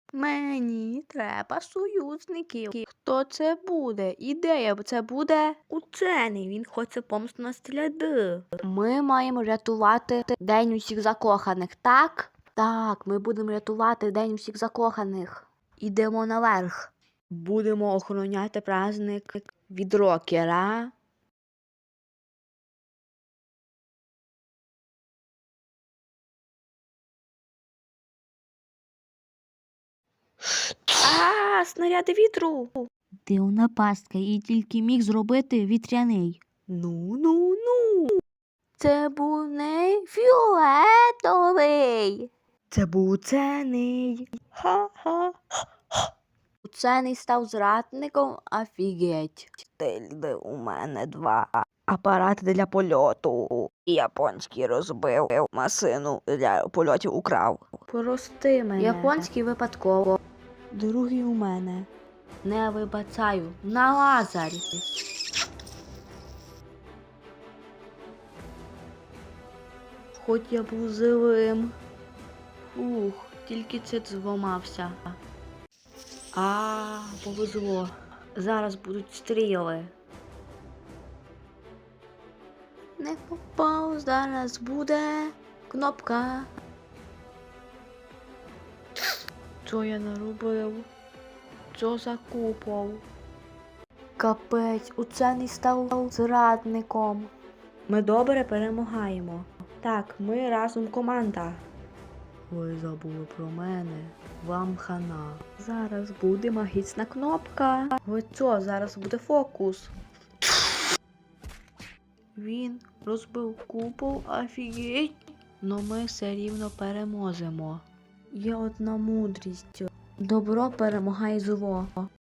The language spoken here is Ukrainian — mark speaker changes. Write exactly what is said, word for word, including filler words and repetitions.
Speaker 1: Мені треба союзників. Хто це буде? Ідея це буде учений. Він хоче помсту на сляди. Ми маємо рятувати День усіх закоханих, так? Так, ми будемо рятувати День усіх закоханих. Ідемо наверх. Будемо охороняти праздник від рокера. А, снаряди вітру.
Speaker 2: Дивна пастка, і тільки міг зробити вітряний.
Speaker 1: Ну, ну, ну. Це був не фіолетовий. Це був учений. Ха-ха. Учений став зрадником, офігеть. Тильди у мене два. Апарати для польоту. Японський розбив. Масину для польотів украв. Прости мене. Японський випадково. Другий у мене. Не вибачаю. На лазарі. Хоч я був живим. Ух, тільки це зламався. А, повезло. Зараз будуть стріли. Не попав, зараз буде кнопка. Що я наробив? Що за купол? Капець, учений став зрадником. Ми добре перемагаємо. Так, ми разом команда. Ви забули про мене. Вам хана. Зараз буде магічна кнопка. Ви що, зараз буде фокус. Він розбив купол, офігеть. Но ми все рівно переможемо. Є одна мудрість. Добро перемагає зло.